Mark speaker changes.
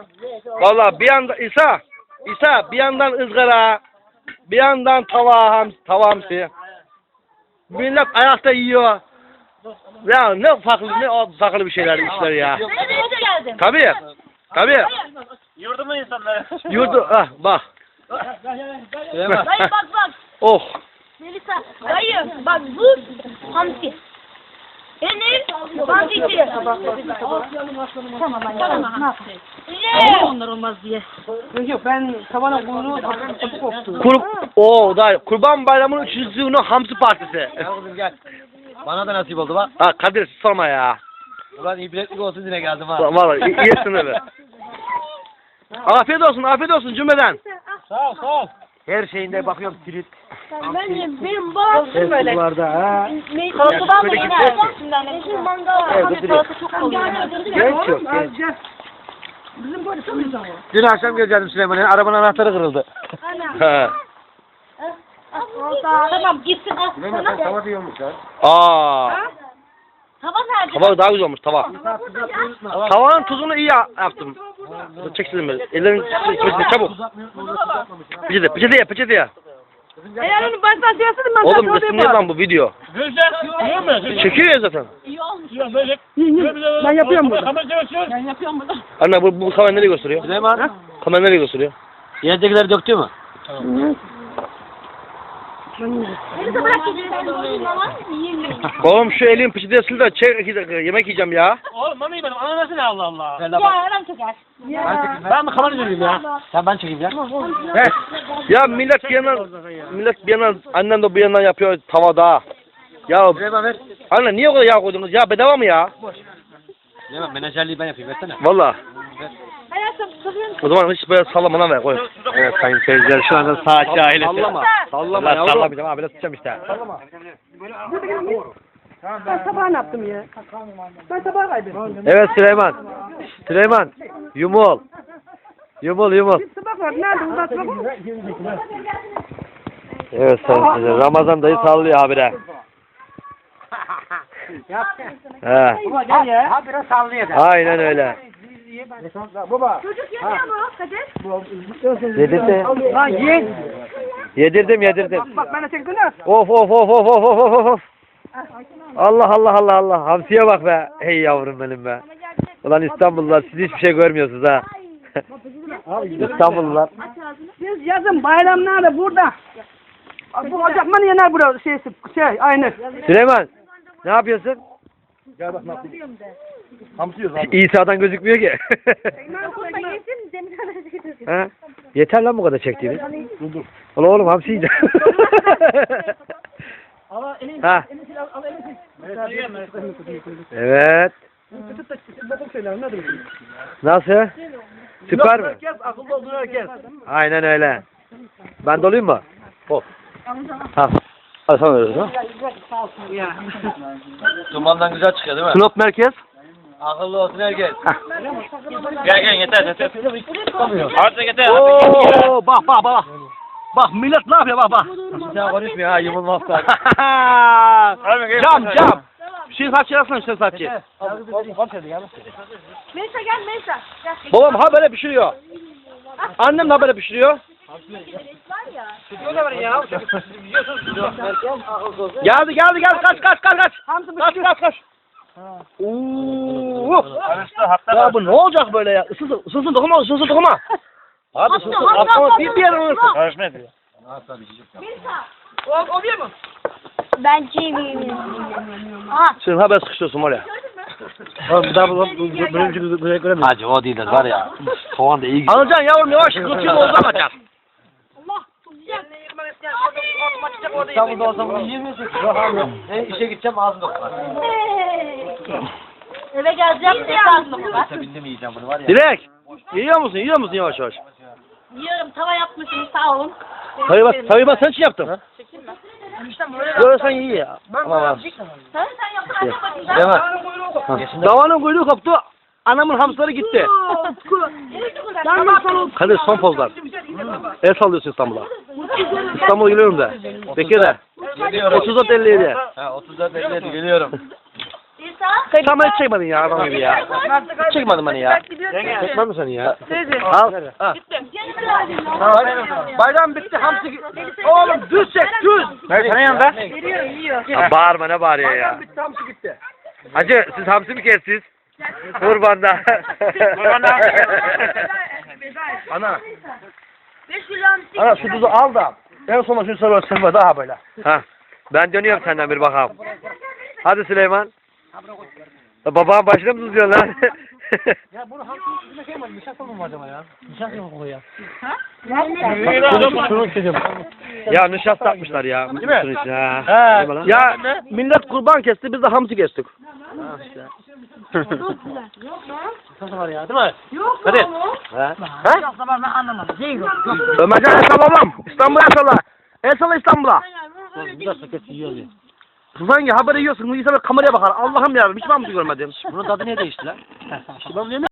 Speaker 1: Vallahi bir yandan İsa bir yandan ızgara, bir yandan tava hamsi. Millet ayakta yiyor. Ya ne farklı bir şeyler işler ya. Tabii.
Speaker 2: Yurdumun insanları.
Speaker 1: Yurdu bak.
Speaker 3: Dayı bak.
Speaker 1: Oh.
Speaker 3: Melisa. Dayı bak bu hamsi. Benim hamsi içi. Tamam. Ne yapayım? Onlar olmaz diye.
Speaker 4: Yok ben tavana kuyruğu kapı koptu.
Speaker 1: Kurban Bayramı'nın 3. günü hamsi partisi.
Speaker 2: Gel kızım gel. Bana da nasip oldu bak.
Speaker 1: Ha Kadir sorma ya.
Speaker 2: Ulan iyi biletlik olsun yine geldim ha.
Speaker 1: Vallahi iyisin abi. Afiyet olsun cümleden.
Speaker 2: Sağ ol.
Speaker 1: Her şeyinde bakıyorum tirit.
Speaker 3: Benim babam böyle. Salatadan da yine şimdi annem mangal var. Salata çok oluyor.
Speaker 1: Genç yok.
Speaker 4: Bizim böyle tanıyoruz ama.
Speaker 2: Dün akşam geleceğim Süleyman'a. Arabanın anahtarı kırıldı.
Speaker 1: He.
Speaker 3: Tamam gitsin al sana.
Speaker 2: Tava diyormuş ha.
Speaker 3: Tava nerede?
Speaker 1: Tava daha güzel olmuş tava. Tavanın tuzunu iyi yaptım. Çeksin beni. Ellerini çeksin çabuk. Peçete ya.
Speaker 4: Eğer onu baştan söyleseydin ben
Speaker 1: Oğlum resimli lan bu video. Çekiyor ya zaten.
Speaker 4: Ben yapıyorum bunu. Ben yapıyorum bunu.
Speaker 1: Anne bu kamera nereye gösteriyor?
Speaker 2: Süleyman.
Speaker 1: Kamera nereye gösteriyor?
Speaker 2: Yerdekileri döktü mü?
Speaker 3: Melisa bırak gidin.
Speaker 1: Oğlum şu elin peçeteye sil de çek 2 dakika yemek yiyeceğim ya.
Speaker 2: Oğlum mami benim ananası ne Allah Allah.
Speaker 3: Ya adam çeker.
Speaker 2: Ben mi kamera çekeyim ya? Sen ben çekeyim ya.
Speaker 1: Ya millet bir yandan annem de bu yandan yapıyor tavada. Ya
Speaker 2: Süleyman ver.
Speaker 1: anne niye o kadar yağ koydunuz ya bedava mı ya?
Speaker 2: Süleyman menajerliği ben yapayım versene.
Speaker 1: Valla.
Speaker 3: Hayatım sıkıyorum.
Speaker 1: O zaman hiç böyle sallamadan ver koy. Evet sayın seyirciler şu anda saatçi ailesi. Sallama yavrum. Sallamayacağım abi biraz tutacağım işte.
Speaker 4: Ben sabah ne yaptım ya? Ben sabah kaybettim.
Speaker 1: Evet Süleyman yumul. Yumul.
Speaker 4: Sabah var. Nerede? Uzatma bu.
Speaker 1: Evet sayın seyirciler Ramazan dayı sallıyor habire. He.
Speaker 4: Baba gel ya.
Speaker 2: Ha biraz sallıyor da.
Speaker 1: Aynen öyle.
Speaker 4: Baba.
Speaker 3: Çocuk yemiyor mu Kadir?
Speaker 1: Yedirdim.
Speaker 4: Lan ye.
Speaker 1: Yedirdim.
Speaker 4: Bak bana çektin ha.
Speaker 1: Of. Allah. Hamsiye bak be. Hey yavrum benim be. Ulan İstanbullular siz hiçbir şey görmüyorsunuz ha. İstanbullular.
Speaker 4: Biz yazın bayramlarda burada. Bu ocakmanı yener burada aynı.
Speaker 1: Süleyman ne yapıyorsun?
Speaker 4: Gel bak ne yapayım.
Speaker 1: İsa'dan gözükmüyor ki. Ha? Yeter lan bu kadar çektiğimiz. Ulan oğlum hamsi yiyeceğim. Ha. Evet. Nasıl? Süper mi?
Speaker 4: Akıllı olduğunu herkes.
Speaker 1: Aynen öyle. Ben dolayım mı? Of. Ha. Hadi sen öyle ha.
Speaker 2: Dumandan güzel çıkıyor değil mi?
Speaker 1: Sinop merkez.
Speaker 2: Akıllı olsun herkes. Gel yeter. Artık yeter.
Speaker 1: Oo, bak. Bak millet ne yapıyor bak.
Speaker 2: Sen konuşmuyor ha yumulmazsan.
Speaker 1: Cam. Şirsatçı yazsana şirsatçı.
Speaker 3: Melisa gel. Gel.
Speaker 1: Babam ha böyle pişiriyor. Annem de böyle pişiriyor. Geldi. Kaç. Kaç. Ya bu ne olacak böyle ya? Isınsın dokuma. Abi ısınsın. Atlama bir yerin ısınsın.
Speaker 2: Karışma ediyor.
Speaker 4: Oluyor mu?
Speaker 3: Ben çiğneyim. Aha.
Speaker 1: Sen haber sıkışıyorsun var ya.
Speaker 2: Bir daha böyle Hacı o değildir var ya. Soğan da iyi gidiyor.
Speaker 1: Alacaksın yavrum yavaş kılçığın oldu alacaksın.
Speaker 3: Allah çok güzel.
Speaker 2: İstanbul'da olsam bunu yiyemiyorsun. İşe gideceğim ağzım doklar.
Speaker 3: Eve geleceğim. Ne lazım var?
Speaker 2: Bildim yiyeceğim bunu var ya.
Speaker 1: Dilek. Yiyor musun yavaş.
Speaker 3: Yiyorum. Tava yapmışsın. Sağ olun.
Speaker 1: Tabii ben sen için yaptım. Böyle sen iyi ya. Tamam.
Speaker 3: Sen yaptın. Hadi bakayım.
Speaker 1: Davanın kuyruğu koptu. Anamın hamsları gitti. Kadir son pozlar. El sallıyorsun İstanbul'a. İstanbul'a geliyorum da. Bekir de. 34-57.
Speaker 2: Ha 34 57 geliyorum.
Speaker 1: Sen beni çekmedin ya adam gibi ya. Çekmedin beni ya. Çekmedin mi seni ya? Al. Ha. Bayram bitti hamsi. Oğlum düz çek düz.
Speaker 2: Senin yanında?
Speaker 1: Ya bağırma ne bağırıyor ya.
Speaker 4: Bayram bitti hamsi gitti.
Speaker 1: Hacı siz hamsi mi kestiniz? Kurbanda.
Speaker 2: Kurbanda.
Speaker 1: Ana. Ana şu tuzu al da. En sonunda şunu sarı daha böyle. Ha. Ben dönüyorum senden bir bakalım. Hadi Süleyman. Babağın başına mı tutuyorsun lan?
Speaker 2: Ya bunu hamsi şey mi? Nişasta mı acaba ya? Nişasta mı koyuyor? Şunu isteyeceğim.
Speaker 1: Ya nişasta atmışlar ya.
Speaker 2: Değil mi?
Speaker 1: Şunun içine, ha.
Speaker 2: He.
Speaker 1: Ya millet kurban kesti biz de hamsi kestik.
Speaker 2: Nişasta var ya değil mi? Hadi.
Speaker 1: Ha? Ömercan el sallam. İstanbul'a el salla. El salla İstanbul'a.
Speaker 2: Bu da sakat yiyor ya.
Speaker 1: Hangi haberi yiyorsun? İnsan kameraya bakar. Allah'ım yarabbim hiç ben bunu görmedim.
Speaker 2: Bunun tadı niye değişti lan? İşte ben